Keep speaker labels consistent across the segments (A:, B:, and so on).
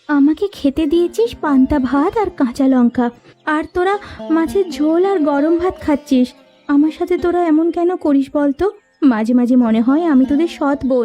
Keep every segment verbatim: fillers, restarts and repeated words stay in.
A: আমাকে খেতে দিয়েছিস পান্তা ভাত আর কাঁচা লঙ্কা, আর তোরা মাছের ঝোল আর গরম ভাত খাচ্ছিস। আমার সাথে তোরা এমন কেন করিস বলতো? মাঝে মাঝে মনে হয় আমি তোদের সৎ বোন।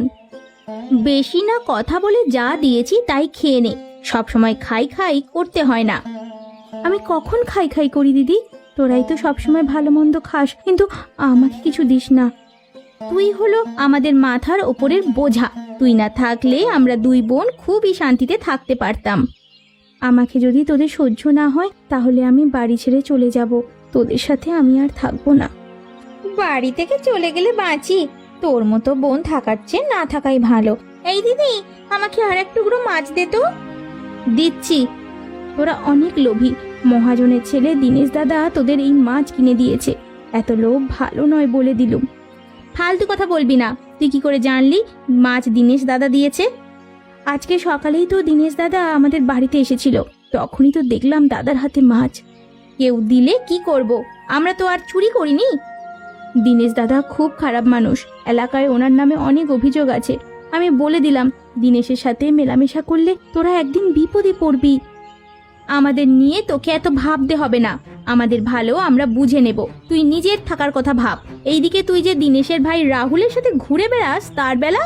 A: বেশি না কথা বলে যা দিয়েছি তাই খেয়ে নে, সব সময় খাই খাই করতে হয় না। আমি কখন খাই খাই করি দিদি? তোরাই তো সবসময় ভালো মন্দ খাস, কিন্তু আমাকে কিছু দিস না। তুই হলো আমাদের মাথার ওপরের বোঝা। তুই না থাকলে আমরা দুই বোন খুবই শান্তিতে থাকতে পারতাম। আমাকে যদি তোদের সহ্য না হয় তাহলে আমি বাড়ি ছেড়ে চলে যাব। তোদের সাথে আমি আর থাকবো না। বাড়ি থেকে চলে গেলে বাঁচি, তোর মতো বোন থাকার চেয়ে না থাকাই ভালো। এই দিদি, আমাকে আর এক টুকরো মাছ দে তো। দিচ্ছি। তোরা অনেক লোভী। মহাজনের ছেলে দীনেশ দাদা তোদের এই মাছ কিনে দিয়েছে। এত লোভ ভালো নয় বলে দিলুম। ফালতু কথা বলবি না। তুই কি করে জানলি মাছ দীনেশ দাদা দিয়েছে? আজকে সকালেই তো দীনেশ দাদা আমাদের বাড়িতে এসেছিল, তখনই তো দেখলাম দাদার হাতে মাছ। কেউ দিলে কি করব, আমরা তো আর চুরি করিনি। দীনেশ দাদা খুব খারাপ মানুষ, এলাকায় ওনার নামে অনেক অভিযোগ আছে। আমি বলে দিলাম দীনেশের সাথে মেলামেশা করলে তোরা একদিন বিপদে পড়বি। আমাদের নিয়ে তোকে এত ভাবতে হবে না, আমাদের ভালো আমরা বুঝে নেব। তুই নিজের থাকার কথা ভাব। এইদিকে তুই যে দীনেশের ভাই রাহুলের সাথে ঘুরে বেড়াস তার বেলা।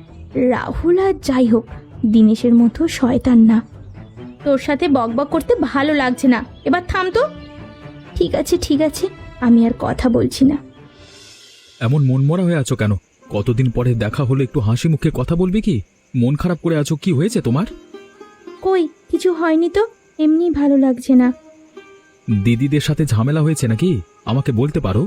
A: রাহুল আর যাই হোক, দীনেশের মতো শয়তান না। তোর সাথে বকবক করতে ভালো লাগছে না, এবার থাম তো। ঠিক আছে ঠিক আছে, আমি আর কথা বলছি না।
B: এমন মনমরা হয়ে আছো কেন? কতদিন পরে দেখা হলো, একটু হাসি মুখে কথা বলবি কি? মন খারাপ করে আছো, কি হয়েছে তোমার?
A: কই কিছু হয়নি তো, এমনি ভালো লাগছে না।
B: দিদিদের সাথে ঝামেলা হয়েছে নাকি? আমাকে বলতে পারো।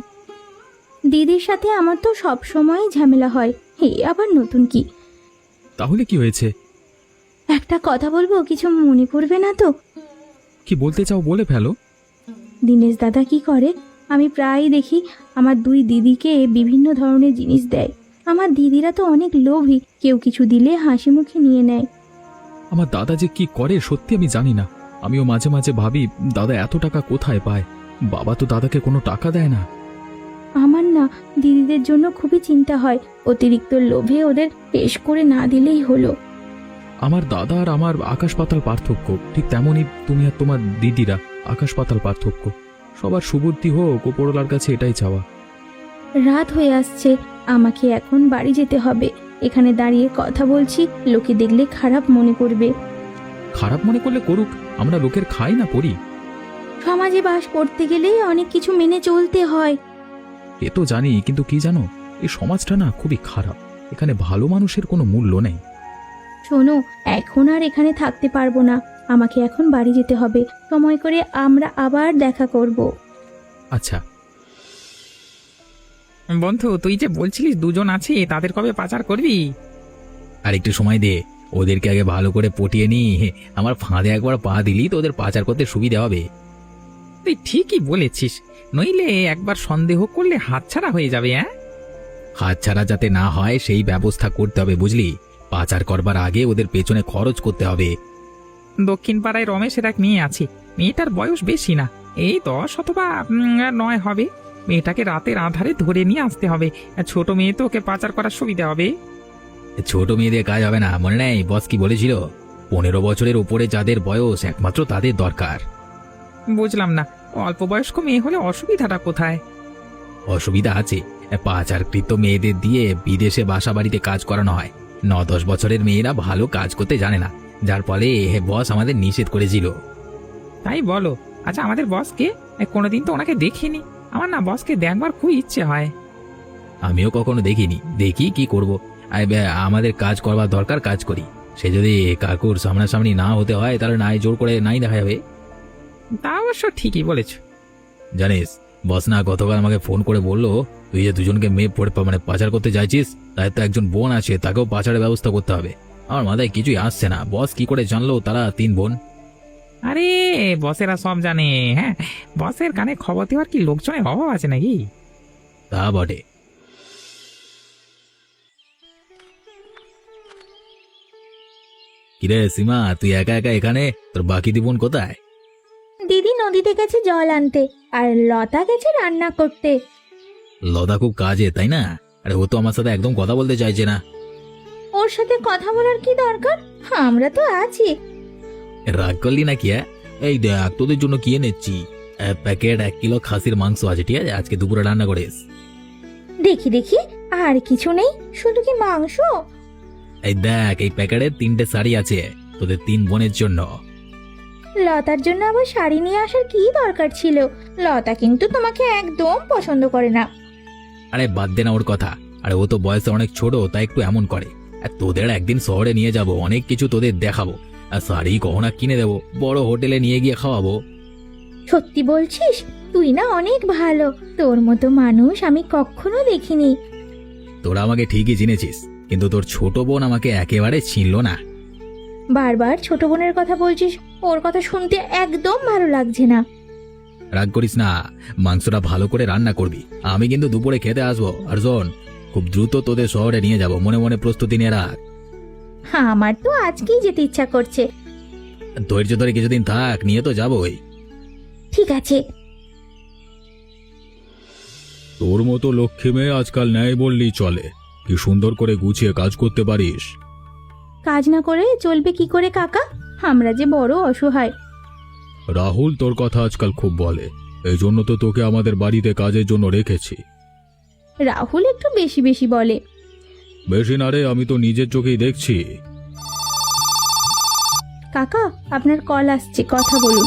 A: দিদির সাথে আমার তো সব সময় ঝামেলা হয়, হে আবার নতুন কি?
B: তাহলে কি হয়েছে?
A: একটা কথা বলবো, কিছু মনে করবে না তো?
B: কি বলতে চাও বলে ফেলো।
A: দীনেশ দাদা কি করে, আমি প্রায়ই দেখি আমার দুই দিদিকে বিভিন্ন ধরনের জিনিস দেয়। আমার দিদিরা তো অনেক লোভী, কেউ কিছু দিলে হাসি মুখে নিয়ে নেয়।
B: আমার দাদা যে কি করে সত্যি আমি জানি না। আমিও মাঝে মাঝে ভাবি দাদা এত টাকা কোথায় পায়। বাবা তো দাদাকে কোনো টাকা দেয় না।
A: আমার না দিদিদের জন্য খুবই চিন্তা হয়, অতিরিক্ত লোভে ওদের পেশ করে না দিলেই হলো।
B: আমার দাদা আর আমার আকাশ পাতাল পার্থক্য, ঠিক তেমনই তুমি আর তোমার দিদিরা আকাশ পাতাল পার্থক্য। সবার সুবুদ্ধি হোক, ওপরওয়ালার কাছে এটাই চাওয়া।
A: রাত হয়ে আসছে, আমাকে এখন বাড়ি যেতে হবে। এখানে দাঁড়িয়ে কথা বলছি, লোকে দেখলে খারাপ মনে করবে।
B: খারাপ মনে করলে করুক, আমরা লোকের খাই না পড়ি।
A: সমাজে বাস করতে গেলে অনেক কিছু মেনে চলতে হয়।
B: এ তো জানি, কিন্তু কি জানো, এই সমাজটা না খুবই খারাপ। এখানে ভালো মানুষের কোনো মূল্য নেই।
A: শোনো, এখন আর এখানে থাকতে পারবো না, আমাকে এখন বাড়ি যেতে হবে। সময় করে আমরা আবার দেখা করব।
B: আচ্ছা
C: বন্ধু, তুই যে বলছিলিস দুজন আছে, তাদের কবে পাচার করবি?
D: আর একটু সময় দে, ওদেরকে আগে ভালো করে পটিয়ে নি। আমার ফাঁদে একবার পা দিলি তো ওদের পাচার করতে সুবিধা হবে।
C: তুই ঠিকই বলেছিস, নইলে একবার সন্দেহ করলে হাতছাড়া হয়ে যাবে। হ্যাঁ,
D: হাতছাড়া যাতে না হয় সেই ব্যবস্থা করতে হবে, বুঝলি? পাচার করবার আগে ওদের পেছনে খরচ করতে হবে।
C: দক্ষিণ পাড়ায় রমেশের এক মেয়ে আছে। মেয়েটার বয়স বেশি না, এই দশ অথবা উম, নয় হবে। মেয়েটাকে রাতের আধারে ধরে নিয়ে আসতে হবে। ছোট মেয়ে তো, ওকে পাচার করার সুবিধা হবে।
D: ছোট মেয়েদের কাজ হবে না, মনে নেই বস কি বলেছিল? পনেরো বছরের উপরে যাদের বয়স একমাত্র তাদের দরকার।
C: বুঝলাম না, অল্প বয়স্ক মেয়ে হলে অসুবিধাটা কোথায়?
D: অসুবিধা আছে, পাচারকৃত মেয়েদের দিয়ে বিদেশে বাসা বাড়িতে কাজ করানো হয়। ন দশ বছরের মেয়েরা ভালো কাজ করতে জানে না, যার ফলে বস আমাদের নিষেধ করেছিল।
C: তাই বলো? আচ্ছা, আমাদের বসকে কোনোদিন তো ওনাকে দেখিনি। আমার না বসকে দেখবার খুব ইচ্ছে হয়।
D: আমিও কখনো দেখিনি, দেখি কি করব। আমাদের কাজ করবার দরকার, কাজ করি। সে যদি কাকুর সামনাসামনি না হতে হয় তাহলে নাই জোর করে নাই দেখা যাবে।
C: তা অবশ্য ঠিকই বলেছ।
D: জানিস, বস না গতকাল আমাকে ফোন করে বললো তুই যে দুজনকে মেয়ে পড়ে মানে পাচার করতে চাইছিস, তাই তো একজন বোন আছে, তাকেও পাচারের ব্যবস্থা করতে হবে। আমার মাথায় কিছুই আসছে না, বস কি করে জানলো তারা তিন বোন?
C: আরে বসেরা সব জানে। হ্যাঁ, বসের কানে খবর দেওয়ার কি লোকজনের অভাব আছে নাকি?
D: তা বটে। কিরে সীমা, তুই একা একা এখানে? তোর বাকি দি বোন কোথায়?
A: দিদি নদীতে গেছে জল আনতে, আর লতা গেছে রান্না করতে।
D: লতা খুব কাজে, তাই না? আরে ও তো আমার সাথে একদম কথা বলতে চাইছে না।
A: ওর সাথে কথা বলার কি দরকার, আমরা তো আছি।
D: রাগ করলি নাকি? হ্যাঁ, এই দেখ তোদের জন্য কি এনেছি। এক প্যাকেট এক কিলো খাসির মাংস আছে, ঠিক আছে? আজকে দুপুরে রান্না করিস।
A: দেখি দেখি, আর কিছু নেই, শুধু কি মাংস?
D: এই দেখ, এই প্যাকেটে তিনটে শাড়ি আছে তোদের তিন বোনের জন্য।
A: লতার জন্য আবার শাড়ি নিয়ে আসার কি দরকার ছিল? লতা কিন্তু তোমাকে একদম পছন্দ করে না।
D: আরে বাদ দে না ওর কথা। আরে ও তো বয়সে অনেক ছোট, তাই একটু এমন করে। আর তোদের একদিন শহরে নিয়ে যাব, অনেক কিছু তোদের দেখাবো। আর শাড়ি গহনা কিনে দেবো, বড় হোটেলে নিয়ে গিয়ে খাওয়াবো।
A: সত্যি বলছিস? তুই না অনেক ভালো, তোর মতো মানুষ আমি কখনো দেখিনি।
D: তোরা আমাকে ঠিকই চিনেছিস, কিন্তু তোর ছোট বোন আমাকে একেবারে চিনল না।
A: বারবার ছোট বোনের কথা বলছিস, ওর কথা শুনতে একদম ভালো লাগছে না।
D: রাগ করিস না, মাংসটা ভালো করে রান্না করবি। আমি কিন্তু দুপুরে খেতে আসবো। আর শোন, খুব দ্রুত তোদের শহরে নিয়ে যাব, মনে মনে প্রস্তুতি নিয়ে রাখ।
A: হ্যাঁ, আমার তো আজকেই যেতে ইচ্ছা করছে।
D: ধৈর্য ধরে কিছুদিন থাক, নিয়ে তো যাবোই।
A: ঠিক আছে।
B: তোর মতো লক্ষ্মী মেয়ে আজকাল নেয় বললেই চলে। কি সুন্দর করে গুছিয়ে কাজ করতে পারিস।
A: কাজ না করে চলবে কি করে কাকা? আমরা যে বড় অসহায়।
B: রাহুল তোর কথা আজকাল খুব বলে, এই জন্য তো তোকে আমাদের বাড়িতে কাজের জন্য রেখেছি।
A: রাহুল একটু বেশি বেশি বলে।
B: বেশি না রে, আমি তো নিজের চোখেই দেখছি।
A: কাকা, আপনার কল আসছে, কথা বলুন।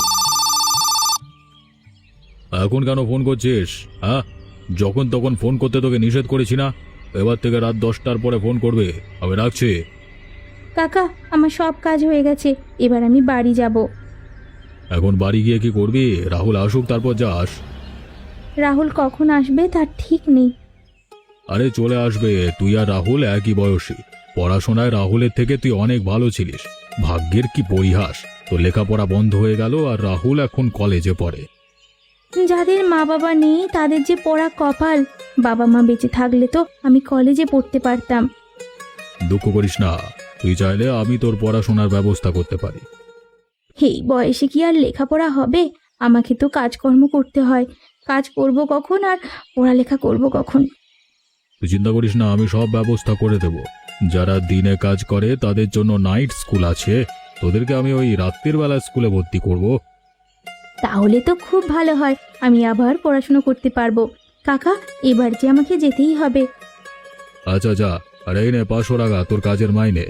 B: এখন কেন ফোন করছিস? হ্যাঁ, যখন তখন ফোন করতে তোকে নিষেধ করেছি না? এবার থেকে রাত দশটার পরে ফোন করবে। আমি রাখছি।
A: কাকা, আমার সব কাজ হয়ে গেছে, এবার আমি বাড়ি যাব।
B: এখন বাড়ি গিয়ে কি করবি? রাহুল আসুক তারপর যাস।
A: রাহুল কখন আসবে তার ঠিক নেই।
B: আরে চলে আসবে, তুই আর রাহুল একই বয়সী। পড়াশোনায় রাহুলের থেকে তুই অনেক ভালো ছিলিস। ভাগ্যের কি পরিহাস, তোর লেখাপড়া বন্ধ হয়ে গেল আর রাহুল এখন কলেজে পড়ে।
A: যাদের মা বাবা নেই তাদের যে পড়া কপাল। বাবা মা বেঁচে থাকলে তো আমি কলেজে পড়তে পারতাম।
B: দুঃখ করিস না, তুই চাইলে আমি তোর পড়াশোনার ব্যবস্থা করতে পারি।
A: এই বয়সে কি আর লেখাপড়া হবে? আমাকে তো কাজকর্ম করতে হয়। কাজ করব কখন আর পড়ালেখা করব কখন?
B: তুই চিন্তা করিস না, আমি সব ব্যবস্থা করে দেব। যারা দিনে কাজ করে তাদের জন্য নাইট স্কুল আছে, তোদেরকে আমি ওই রাত্রির বেলা স্কুলে ভর্তি করব।
A: তাহলে তো খুব ভালো হয়, আমি আবার পড়াশোনা করতে পারবো। কাকা, এবার যে আমাকে যেতেই হবে।
B: আচ্ছা যা, আর এই নে পাঁচশো টাকা তোর কাজের মাইনে।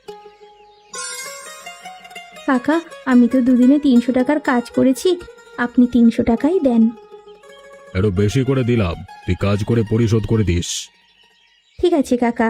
A: কাকা, আমি তো দুদিনে তিনশো টাকার কাজ করেছি, আপনি তিনশো টাকাই দেন।
B: একটু বেশি করে দিলাম, তুই কাজ করে পরিশোধ করে দিস।
A: ঠিক আছে কাকা।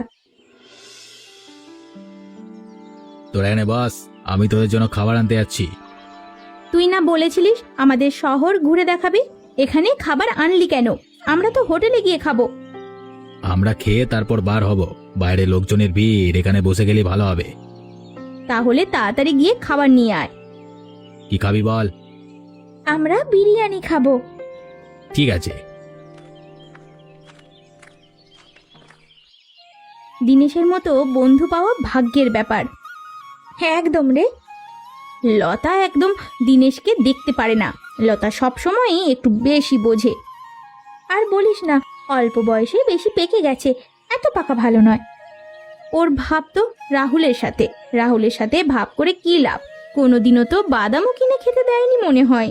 D: তোরা এনে বাস, আমি তোদের জন্য খাবার আনতে যাচ্ছি।
A: তুই না বলেছিলিস আমাদের শহর ঘুরে দেখাবি? এখানে খাবার আনলি কেন? আমরা তো হোটেলে গিয়ে খাবো।
D: আমরা খেয়ে তারপর বার হব। বাইরে লোকজনের ভিড়, এখানে বসে গেলে ভালো হবে।
A: তাহলে তাড়াতাড়ি গিয়ে খাবার নিয়ে আয়।
D: কি খাবি বল?
A: আমরা বিরিয়ানি খাবো।
D: ঠিক আছে।
A: দিনেশের মতো বন্ধু পাওয়া ভাগ্যের ব্যাপার। হ্যাঁ একদম রে। লতা একদম দিনেশকে দেখতে পারে না। লতা সব সময়ই একটু বেশি বোঝে। আর বলিস না, অল্প বয়সে বেশি পেকে গেছে, এত পাকা ভালো নয়। ওর ভাব তো রাহুলের সাথে। রাহুলের সাথে ভাব করে কি লাভ? কোনোদিনও তো বাদামও কিনে খেতে দেয়নি মনে হয়।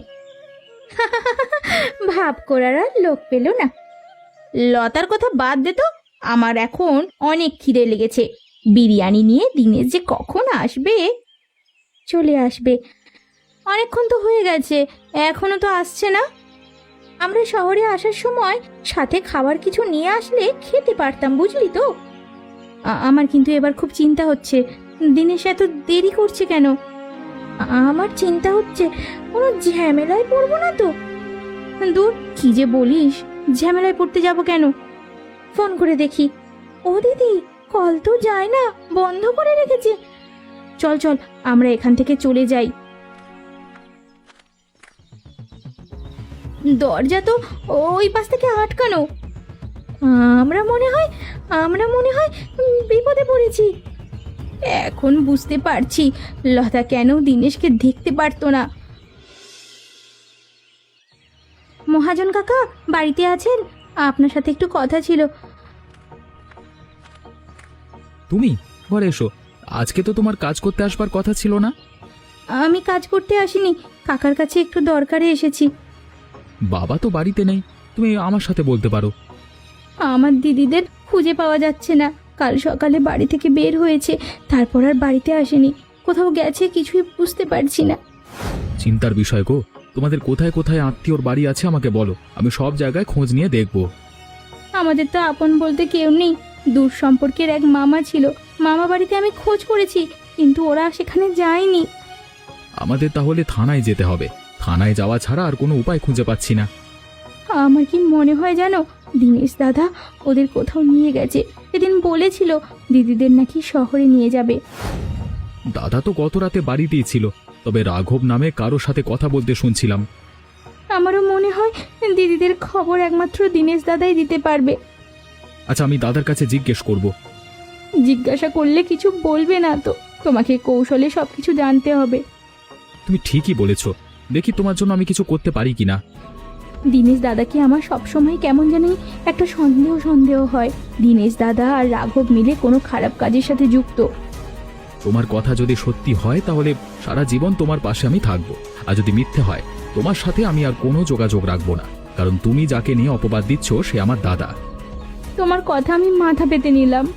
A: ভাব করার আর লোক পেল না। লতার কথা বাদ দে তো, আমার এখন অনেক খিদে লেগেছে। বিরিয়ানি নিয়ে দিনেশ যে কখন আসবে? চলে আসবে, অনেকক্ষণ তো হয়ে গেছে, এখনো তো আসছে না। আমরা শহরে আসার সময় সাথে খাবার কিছু নিয়ে আসলে খেতে পারতাম, বুঝলি তো? আ- আমার কিন্তু এবার খুব চিন্তা হচ্ছে, দিনেশ এত দেরি করছে কেন? আ- আমার চিন্তা হচ্ছে কোনো ঝামেলায় পড়বো না তো? দূর, কি যে বলিস, ঝামেলায় পড়তে যাব কেন? ফোন করে দেখি। ও দিদি, কল তো যায় না, বন্ধ করে রেখেছে। চল চল, আমরা এখান থেকে চলে যাই। দরজা তো ওই পাশ থেকে আটকানো। আমরা মনে হয় আমরা মনে হয় উম, বিপদে পড়েছি। এখন বুঝতে পারছি লতা কেন দিনেশকে দেখতে পারতো না। মহাজন কাকা বাড়িতে আছেন? আপনার সাথে একটু কথা ছিল।
B: তুমি ঘরে এসো, আজকে তো তোমার কাজ করতে আসবার কথা ছিল না?
A: আমি কাজ করতে আসিনি, কাকার কাছে একটু দরকারে এসেছি।
B: বাবা তো বাড়িতে নেই, তুমি আমার সাথে বলতে পারো।
A: আমার দিদিদের খুঁজে পাওয়া যাচ্ছে না। কাল সকালে বাড়ি থেকে বের হয়েছে, তারপর আর বাড়িতে আসেনি। কোথাও গেছে, কিছুই বুঝতে পারছি না।
B: চিন্তার বিষয় গো। তোমাদের কোথায় কোথায় আত্মীয়র বাড়ি আছে আমাকে বলো, আমি সব জায়গায় খোঁজ নিয়ে দেখব।
A: আমাদের তো আপন বলতে কেউ নেই। দূর সম্পর্কের এক মামা ছিল, মামা বাড়িতে আমি খোঁজ করেছি, কিন্তু ওরা সেখানে যায়নি।
B: আমাদের তাহলে থানায় যেতে হবে। থানায় যাওয়া ছাড়া আর কোনো উপায় খুঁজে পাচ্ছি না।
A: আমার কি মনে হয় জানো, দিনেশ দাদা ওদের কোথাও নিয়ে গেছে। সেদিন বলেছিল দিদিদের নাকি শহরে নিয়ে যাবে।
B: দাদা তো গত রাতে বাড়িতেই ছিল, তবে রাঘব নামে কারোর সাথে কথা বলতে শুনছিলাম।
A: আমারও মনে হয় দিদিদের খবর একমাত্র দিনেশ দাদাই দিতে পারবে।
B: আচ্ছা, আমি দাদার কাছে জিজ্ঞেস করব।
A: জিজ্ঞাসা করলে কিছু বলবে না তো, তোমাকে কৌশলে সবকিছু জানতে হবে।
B: তুমি ঠিকই বলেছ, দেখি তোমার জন্য আমি কিছু করতে পারি কিনা।
A: দিনেশ দাদাকে আমার সবসময় কেমন জানি একটা সন্দেহ সন্দেহ হয়। দিনেশ দাদা আর রাঘব মিলে কোনো খারাপ কাজের সাথে যুক্ত।
B: তোমার কথা যদি সত্যি হয় তাহলে সারা জীবন তোমার পাশে আমি থাকবো, আর যদি মিথ্যে হয় তোমার সাথে আমি আর কোনো যোগাযোগ রাখবো না, কারণ তুমি যাকে নিয়ে অপবাদ দিচ্ছ সে আমার দাদা।
A: তোমার কথা আমি মাথা পেতে নিলাম।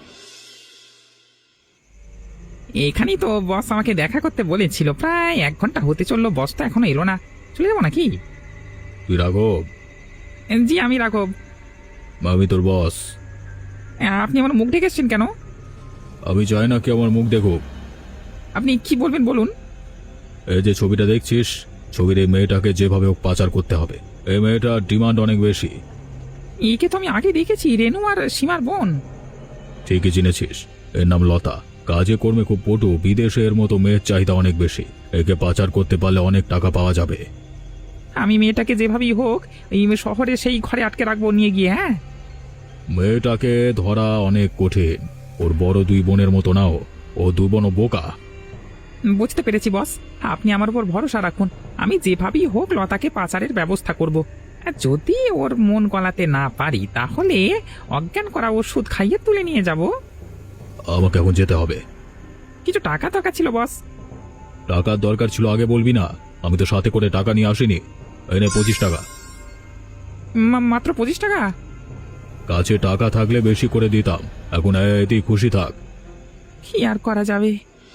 C: এখানেই তো বস আমাকে দেখা করতে বলেছিল। প্রায় এক ঘন্টা হতে চললো, বস তো এখনো এলো না। চলে যাবো নাকি?
B: তুই রাঘব?
C: জি, আমি রাঘব।
B: আমি তোর বস।
C: আপনি আমার মুখ ঢেকেছেন কেন?
B: আমি চাই না কি আমার মুখ দেখুক।
C: আপনি কি বলবেন বলুন।
B: এই যে ছবিটা দেখছিস, ছবির এই মেয়েটাকে যেভাবে হোক পাচার করতে হবে। এই মেয়েটার ডিমান্ড অনেক বেশি।
C: একে তো আমি আগে দেখেছি, রেনু আর সীমার বোন।
B: ঠিকই চিনেছিস, এর নাম লতা। কাজে কর্মে খুব পটু, বিদেশে এর মতো মেয়ের চাহিদা অনেক বেশি। একে পাচার করতে পারলে অনেক টাকা পাওয়া যাবে।
C: আমি মেয়েটাকে যেভাবেই হোক এই শহরে সেই ঘরে আটকে রাখবো নিয়ে গিয়ে। হ্যাঁ,
B: মেয়েটাকে ধরা অনেক কঠিন। ওর বড় দুই বোনের মতো নাও, ও দুই বোনও বোকা।
C: বুঝতে পেরেছি বস, আপনি আমার উপর ভরসা রাখুন। আমি যেভাবেই হোক লতাকে পাচারের ব্যবস্থা করব। আর যদি ওর মন গলাতে না পারি তাহলে অজ্ঞান করা ওষুধ খাইয়ে তুলে নিয়ে যাব।
B: আমাকে এখন যেতে হবে।
C: কিছু টাকা দরকার ছিল বস।
B: টাকার দরকার ছিল আগে বলবি না? আমি তো সাথে করে টাকা নিয়ে আসিনি। এনে পঁচিশ টাকা।
C: মা- মাত্র পঁচিশ টাকা?
B: কাছে টাকা থাকলে বেশি করে দিতাম। এখন এতেই খুশি থাক।
C: কি আর করা যাবে।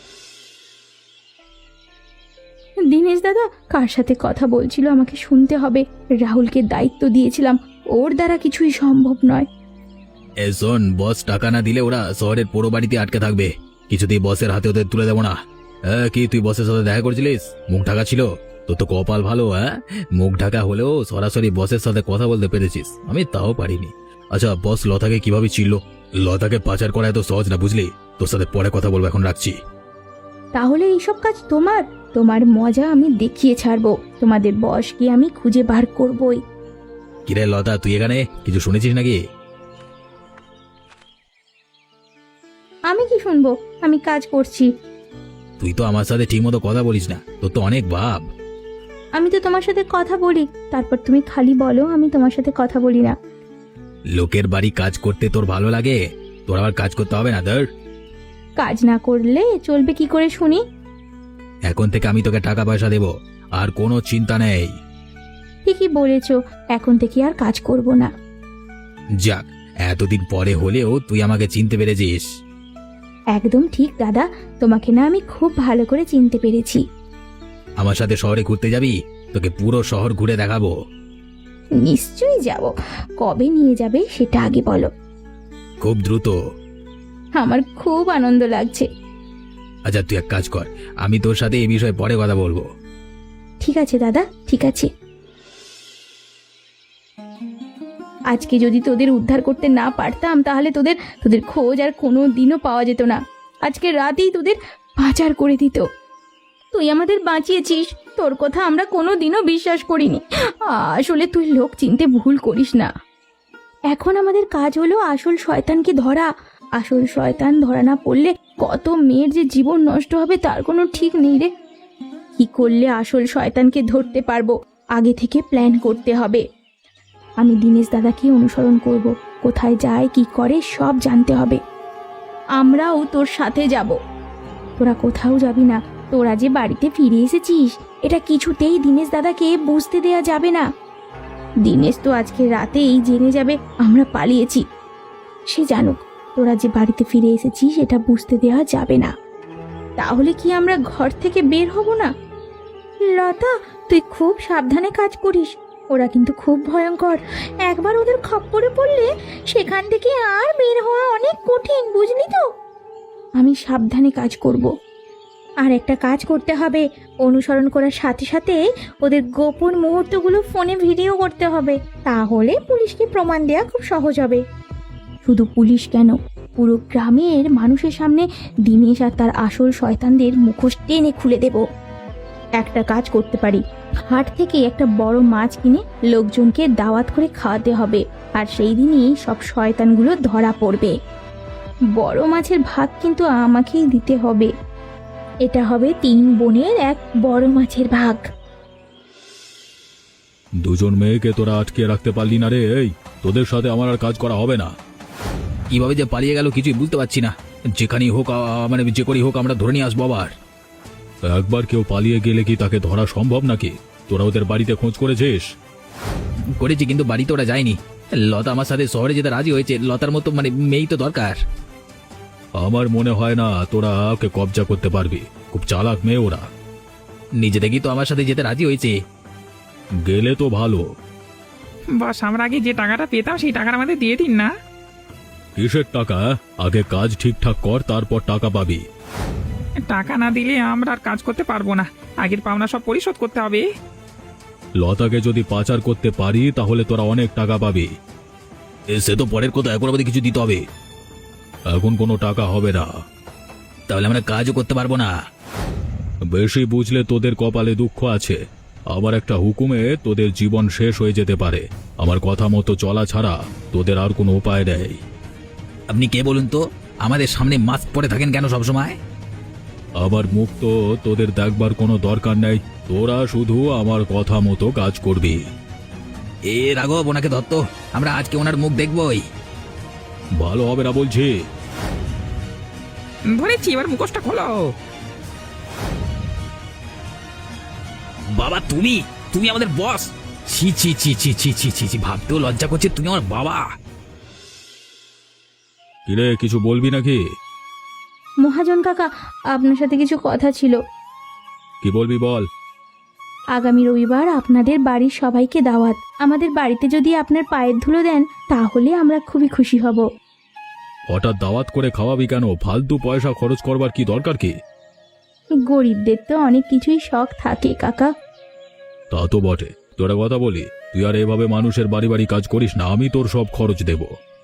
A: দিনেশ দাদা কার সাথে কথা বলছিল আমাকে শুনতে হবে। রাহুলকে দায়িত্ব দিয়েছিলাম, ওর দ্বারা কিছুই সম্ভব নয়।
D: এ শোন, বস টাকা না দিলে ওরা শহরের পুরো বাড়িতে আটকে থাকবে। কিছুতেই বসের হাতে ওদের তুলে দেবো না। হ্যাঁ, কি তুই বসের সাথে দেখা করছিলিস? মুখ ঢাকা ছিল? তোর তো কপাল ভালো। হ্যাঁ, মুখ ঢাকা হলেও সরাসরি বসের সাথে কথা বলতে পেরেছিস, আমি তাও পারিনি। আচ্ছা, বস লতাকে কিভাবে চিনল? লতাকে পাচার করা এত সহজ না, বুঝলি? তোর সাথে পরে কথা বলবো, এখন রাখছি।
A: তাহলে এইসব কাজ তোমার তোমার মজা আমি দেখিয়ে ছাড়বো। তোমাদের বসকে আমি খুঁজে বার করবই।
D: কিরে লতা, তুই এখানে কিছু শুনেছিস নাকি?
A: আমি কি শুনবো? আমি কাজ করছি।
D: তুই তো আমার সাথে ঠিক মতো কথা বলিস না, তোর তো অনেক ভাব।
A: আমি তো তোমার সাথে কথা বলি, তারপর তুমি খালি বলো আমি তোমার সাথে কথা বলি না।
D: লোকের বাড়ি কাজ করতে তোর ভালো লাগে? তোর আবার কাজ করতে হবে না? ধর,
A: কাজ না করলে চলবে কি করে শুনি?
D: এখন থেকে আমি তোকে টাকা পয়সা দেব, আর কোনো চিন্তা নেই।
A: ঠিকই বলেছো, এখন থেকে আর কাজ করব না।
D: যাক, এতদিন পরে হলেও তুই আমাকে চিনতে পেরেছিস।
A: একদম ঠিক দাদা, তোমাকে না আমি খুব ভালো করে চিনতে পেরেছি।
D: আমার সাথে শহরে ঘুরতে যাবি? তোকে পুরো শহর ঘুরে দেখাবো।
A: নিশ্চয়ই যাব। কবে নিয়ে যাবে সেটা আগে বলো।
D: খুব দ্রুত।
A: আমার খুব আনন্দ লাগছে।
D: আচ্ছা, তুই এক কাজ কর, আমি তোর সাথে এই বিষয়ে পরে কথা বলবো।
A: ঠিক আছে দাদা, ঠিক আছে। আজকে যদি তোদের উদ্ধার করতে না পারতাম তাহলে তোদের তোদের খোঁজ আর কোনো দিনও পাওয়া যেত না। আজকে রাতেই তোদের পাচার করে দিত। তুই আমাদের বাঁচিয়েছিস, তোর কথা আমরা কোনো দিনও বিশ্বাস করিনি। আসলে তুই লোক চিনতে ভুল করিস না। এখন আমাদের কাজ হলো আসল শয়তানকে ধরা। আসল শয়তান ধরা না পড়লে কত মেয়ের যে জীবন নষ্ট হবে তার কোনো ঠিক নেই রে। কি করলে আসল শয়তানকে ধরতে পারবো, আগে থেকে প্ল্যান করতে হবে। আমি দিনেশ দাদাকে অনুসরণ করব, কোথায় যায় কি করে সব জানতে হবে। আমরাও তোর সাথে যাব। তোরা কোথাও যাবি না, তোরা যে বাড়িতে ফিরে এসেছিস এটা কিছুতেই দীনেশ দাদাকে বুঝতে দেয়া যাবে না। দীনেশ তো আজকে রাতেই জেনে যাবে আমরা পালিয়েছি। সে জানুক তোরা যে বাড়িতে ফিরে এসেছিস এটা বুঝতে দেওয়া যাবে না। তাহলে কি আমরা ঘর থেকে বের হব না? লতা, তুই খুব সাবধানে কাজ করিস। ওরা কিন্তু খুব ভয়ঙ্কর। একবার ওদের খপ্পরে পড়লে সেখান থেকে আর বের হওয়া অনেক কঠিন, বুঝলি তো? আমি সাবধানে কাজ করব। আর একটা কাজ করতে হবে, অনুসরণ করার সাথে সাথে ওদের গোপন মুহূর্তগুলো ফোনে ভিডিও করতে হবে। তাহলে পুলিশকে প্রমাণ দেওয়া খুব সহজ হবে। শুধু পুলিশ কেন, পুরো গ্রামের মানুষের সামনে দীনেশ আর তার আসল শয়তানদের মুখোশ টেনে খুলে দেব। একটা কাজ করতে পারি, হাট থেকে একটা বড় মাছ কিনে লোকজনকে দাওয়াত করে খাওয়াতে হবে। আর সেই দিনই সব শয়তানগুলো ধরা পড়বে। বড় মাছের ভাগ কিন্তু আমাকেই দিতে হবে। এটা হবে তিন বোনের এক বড় মাছের ভাগ।
B: দুজন মেয়েকে তোরা আটকে রাখতে পারলি না রে। এই তোদের সাথে আমার আর কাজ করা হবে না।
D: কিভাবে যে পালিয়ে গেল কিছুই বুঝতে পারছি না। যেখানেই হোক আ, মানে যে করেই হোক আমরা ধরে নিয়ে আসবো আবার।
B: একবার কেউ পালিয়ে গেলে কি তাকে ধরা সম্ভব নাকি? তোরা ওদের বাড়িতে খোঁজ করেছিস?
D: করেছি, কিন্তু বাড়িতে ওরা যায়নি। লতা আমার সাথে শহরে যেতে রাজি হয়েছে। লতার মতো মানে মেয়েই তো দরকার।
B: আমার মনে হয় না তোরা ওকে কবজা করতে পারবি। খুব চালাক মেয়ে ওরা।
D: নিজে থেকেই তো আমার সাথে যেতে রাজি হয়েছে।
B: গেলে তো ভালো।
C: বস, আমরা আগে যে টাকাটা পেতাম সেই টাকাটা আমাদের দিয়ে দিন না।
B: কিসের টাকা? আগে কাজ ঠিকঠাক কর, তারপর টাকা পাবি।
C: টাকা না দিলে আমরা আর কাজ করতে পারবো না। আগের পাওনা সব পরিশোধ করতে হবে।
B: লতাকে যদি পাচার করতে পারি তাহলে তোরা অনেক টাকা পাবি।
D: এ, সে তো পরের কথা, এখন আমাদের কিছু দিতে হবে।
B: এখন কোনো টাকা হবে না।
D: তাহলে আমরা কাজও করতে পারবো না।
B: বেশি বুঝলে তোদের কপালে দুঃখ আছে। আমার একটা হুকুমে তোদের জীবন শেষ হয়ে যেতে পারে। আমার কথা মতো চলা ছাড়া তোদের আর কোনো উপায় নেই।
D: আপনি কে বলুন তো? আমাদের সামনে মাস্ক পরে থাকেন কেন সবসময়?
B: আমার মুখ তো তোদের দেখবার কোনো দরকার নেই। তোরা শুধু আমার কথা মতো কাজ করবি।
D: এ রাঘব, ওনাকে ধরত, আমরা আজকে ওনার মুখ দেখবই।
B: ভালো হবে না বলছি।
C: ধরেছি, এবার মুখোশটা খোলো।
D: বাবা, তুমি তুমি আমাদের বস? ছি ছি ছি ছি ছি ছি ছি ছি, ভাবতেও লজ্জা করছে তুমি আমার বাবা।
B: কিরে, কিছু বলবি নাকি?
A: মহাজন কাকা, আপনার সাথে কিছু কথা ছিল।
B: কি বলবি বল।
A: আগামী রবিবার আপনাদের বাড়ির সবাইকে দাওয়াত। আমাদের বাড়িতে যদি আপনার পায়ের ধুলো দেন তাহলে আমরা খুবই খুশি হব।
B: হঠাৎ দাওয়াত করে খাওয়াবি কেন? ফালতু পয়সা খরচ করবার কি দরকার কি?
A: গরিবদের তো অনেক কিছুই শখ থাকে কাকা।
B: তা তো বটে। তোরা কথা বলি, তুই আর এভাবে মানুষের বাড়ি বাড়ি কাজ করিস না। আমি তোর সব খরচ দেব।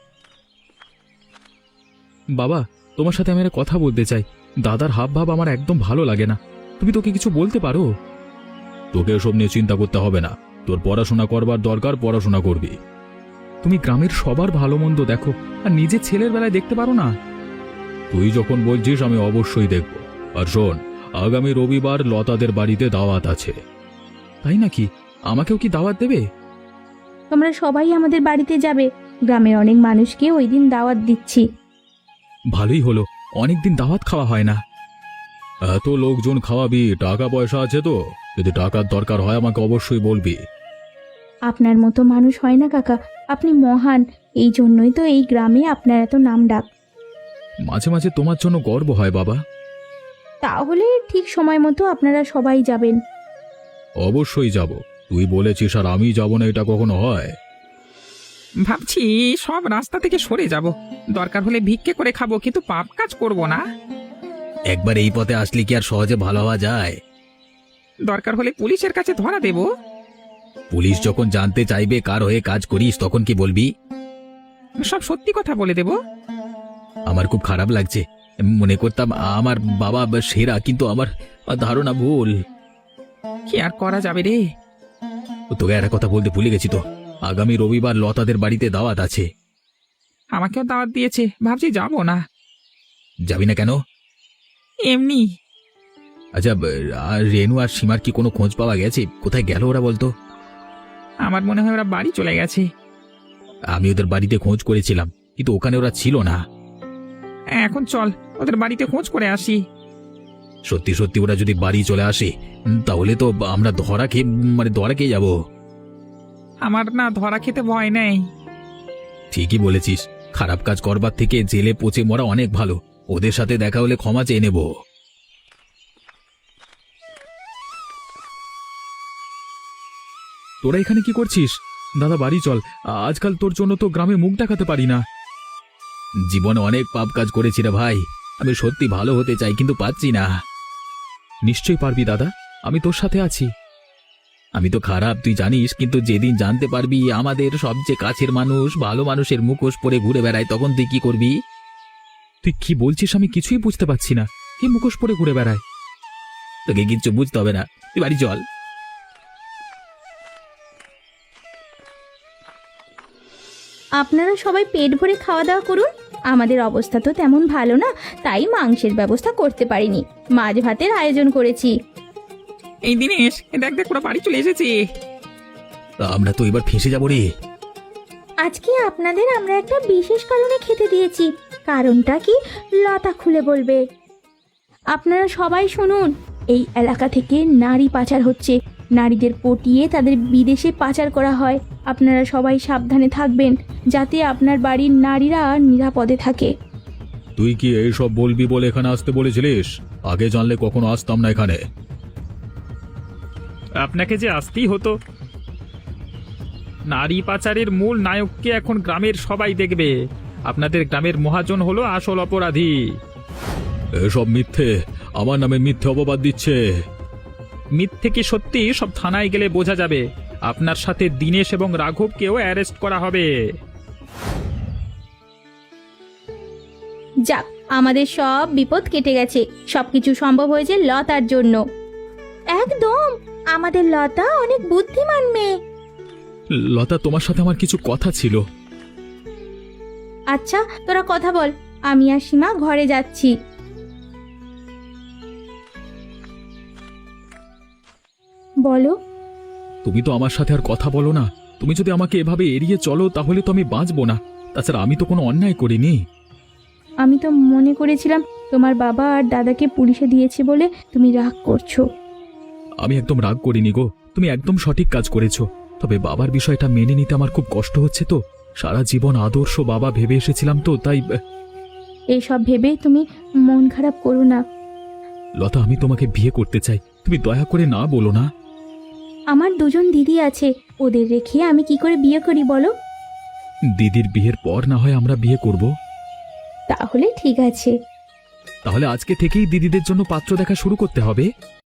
E: বাবা, তোমার সাথে আমি একটা কথা বলতে চাই। দাদার হাব ভাব আমার একদম ভালো লাগে না। তুমি তোকে কিছু বলতে পারো?
B: তোকে এসব নিয়ে চিন্তা করতে হবে না। তোর পড়াশোনা করবার দরকার, পড়াশোনা করবি।
E: তুমি গ্রামের সবার ভালো মন্দ দেখো, আর নিজের ছেলের বেলায় দেখতে পারো না?
B: তুই যখন বলছিস আমি অবশ্যই দেখব। আর শোন, আগামী রবিবার লতাদের বাড়িতে দাওয়াত আছে।
E: তাই নাকি? আমাকেও কি দাওয়াত দেবে?
A: তোমরা সবাই আমাদের বাড়িতে যাবে। গ্রামের অনেক মানুষকে ওই দিন দাওয়াত দিচ্ছি।
E: ভালোই হলো, অনেকদিন দাওয়াত খাওয়া হয় না।
B: এত লোকজন খাওয়াবি, টাকা পয়সা আছে তো? যদি টাকার দরকার হয় আমাকে অবশ্যই বলবি।
A: আপনার মতো মানুষ হয় না কাকা, আপনি মহান। এই জন্যই তো এই গ্রামে আপনার এত নাম ডাক।
E: মাঝে মাঝে তোমার জন্য গর্ব হয় বাবা।
A: তাহলে ঠিক সময় মতো আপনারা সবাই যাবেন।
B: অবশ্যই যাব। তুই বলেছিস আর আমি যাব না, এটা কখনো হয়?
C: ভাবছি সব রাস্তা থেকে সরে যাব। দরকার হলে ভিক্ষে করে খাবো, কিন্তু পাপ কাজ করব না।
D: একবার এই পথে আসলে কি আর সহজে ভালো হওয়া যায়?
C: দরকার হলে পুলিশের কাছে ধরা দেব।
D: পুলিশ যখন জানতে চাইবে কার হয়ে কাজ করিস তখন কি বলবি?
C: সব সত্যি কথা বলে দেব।
D: আমার খুব খারাপ লাগছে। মনে করতাম আমার বাবা সেরা, কিন্তু আমার ধারণা ভুল।
C: কি আর করা যাবে রে।
D: তোকে একটা কথা বলতে ভুলে গেছি তো। আগামী রবিবার লতাদের বাড়িতে দাওয়াত আছে।
C: আমাকেও দাওয়াত দিয়েছে, ভাবছি যাব না।
D: যাবি না কেন?
C: এমনি।
D: আচ্ছা, আর রেনু আর সীমার কি কোনো খোঁজ পাওয়া গেছে? কোথায় গেল ওরা বলতো?
C: আমার মনে হয় ওরা বাড়ি চলে গেছে।
D: আমি ওদের বাড়িতে খোঁজ করেছিলাম, কিন্তু ওখানে ওরা ছিল না।
C: এখন চল ওদের বাড়িতে খোঁজ করে আসি।
D: সত্যি সত্যি ওরা যদি বাড়ি চলে আসে উম, তাহলে তো আমরা ধরা খেয়ে মানে ধরা খেয়ে যাব।
C: আমার না ধরা খেতে ভয় নেই।
D: ঠিকই বলেছিস, খারাপ কাজ করবার থেকে জেলে পচে মরা অনেক ভালো। ওদের সাথে দেখা হলে ক্ষমা চেয়ে নেব।
E: তোরা এখানে কি করছিস? দাদা বাড়ি চল, আজকাল তোর জন্য তো গ্রামে মুখ দেখাতে পারি না।
D: জীবনে অনেক পাপ কাজ করেছি রে ভাই, আমি সত্যি ভালো হতে চাই কিন্তু পাচ্ছি না।
E: নিশ্চয়ই পারবি দাদা, আমি তোর সাথে আছি।
D: আমি তো খারাপ তুই জানিস, কিন্তু যেদিন জানতে পারবি আমাদের সবচেয়ে কাছের মানুষ ভালো মানুষের মুখোশ পরে ঘুরে বেড়ায়, তখন তুই কি করবি?
E: তুই কি বলছিস আমি কিছুই বুঝতে পারছি না। কি মুখোশ পরে ঘুরে বেড়ায়?
D: তোকে কিচ্ছু বুঝতে হবে না, তুই বাড়ি চল।
A: আপনারা সবাই পেট ভরে খাওয়া দাওয়া করুন। আমাদের অবস্থা তো তেমন ভালো না, তাই মাংসের ব্যবস্থা করতে পারিনি। মাছ ভাতের আয়োজন করেছি।
C: এই দিনেশ, দেখ দেখ ওরা বাড়ি চলে এসেছে।
D: আমরা তো এবার ফেঁসে যাবো রে।
A: আজকে আপনাদের আমরা একটা বিশেষ কারণে খেতে দিয়েছি। কারণটা কি লতা খুলে বলবে। আপনারা সবাই শুনুন, এই এলাকা থেকে নারী পাচার হচ্ছে। নারীদের পটিয়ে তাদের বিদেশে পাচার করা হয়। আপনারা সবাই সাবধানে থাকবেন, যাতে আপনার বাড়ির নারীরা নিরাপদে থাকে।
B: তুই কি এইসব বলবি বলে এখানে আসতে বলেছিলিস? আগে জানলে কখনো আসতাম না এখানে।
C: আপনাকে যে আসতেই হতো। নারী পাচারের মূল নায়ককে এখন গ্রামের সবাই দেখবে। আপনাদের গ্রামের মহাজন হলো আসল অপরাধী।
B: এসব মিথ্যে, আমার নামে মিথ্যে অপবাদ দিচ্ছে।
C: মিথ্যে কি সত্যি সব থানায় গেলে বোঝা যাবে। আপনার সাথে দিনেশ এবং রাঘবকেও অ্যারেস্ট করা হবে।
A: যাক, আমাদের সব বিপদ কেটে গেছে। সবকিছু সম্ভব হয়েছে লতার জন্য। একদম, আমাদের লতা অনেক বুদ্ধিমান মেয়ে।
E: লতা, তোমার সাথে আমার কিছু কথা ছিল।
A: আচ্ছা, তোরা কথা বল, আমি আর সীমা ঘরে যাচ্ছি। বলো।
E: তুমি তো আমার সাথে আর কথা বলো না। তুমি যদি আমাকে এভাবে এড়িয়ে চলো তাহলে তো আমি বাঁচবো না। তাছাড়া আমি তো কোনো অন্যায় করিনি।
A: আমি তো মনে করেছিলাম তোমার বাবা আর দাদাকে পুলিশে দিয়েছে বলে তুমি রাগ করছো।
E: আমি একদম রাগ করিনি গো, তুমি একদম সঠিক কাজ করেছো। তবে বাবার বিষয়টা মেনে নিতে আমার খুব কষ্ট হচ্ছে। তো সারা জীবন আদর্শ বাবা ভেবে এসেছিলাম, তো তাই।
A: এইসব ভেবে তুমি মন খারাপ করো না।
E: লতা, আমি তোমাকে বিয়ে করতে চাই, তুমি দয়া করে না বলো না।
A: আমার দুজন দিদি আছে, ওদের রেখে আমি কি করে বিয়ে করি বলো?
E: দিদির বিয়ের পর না হয় আমরা বিয়ে করব।
A: তাহলে ঠিক আছে।
E: তাহলে আজকে থেকেই দিদিদের জন্য পাত্র দেখা শুরু করতে হবে।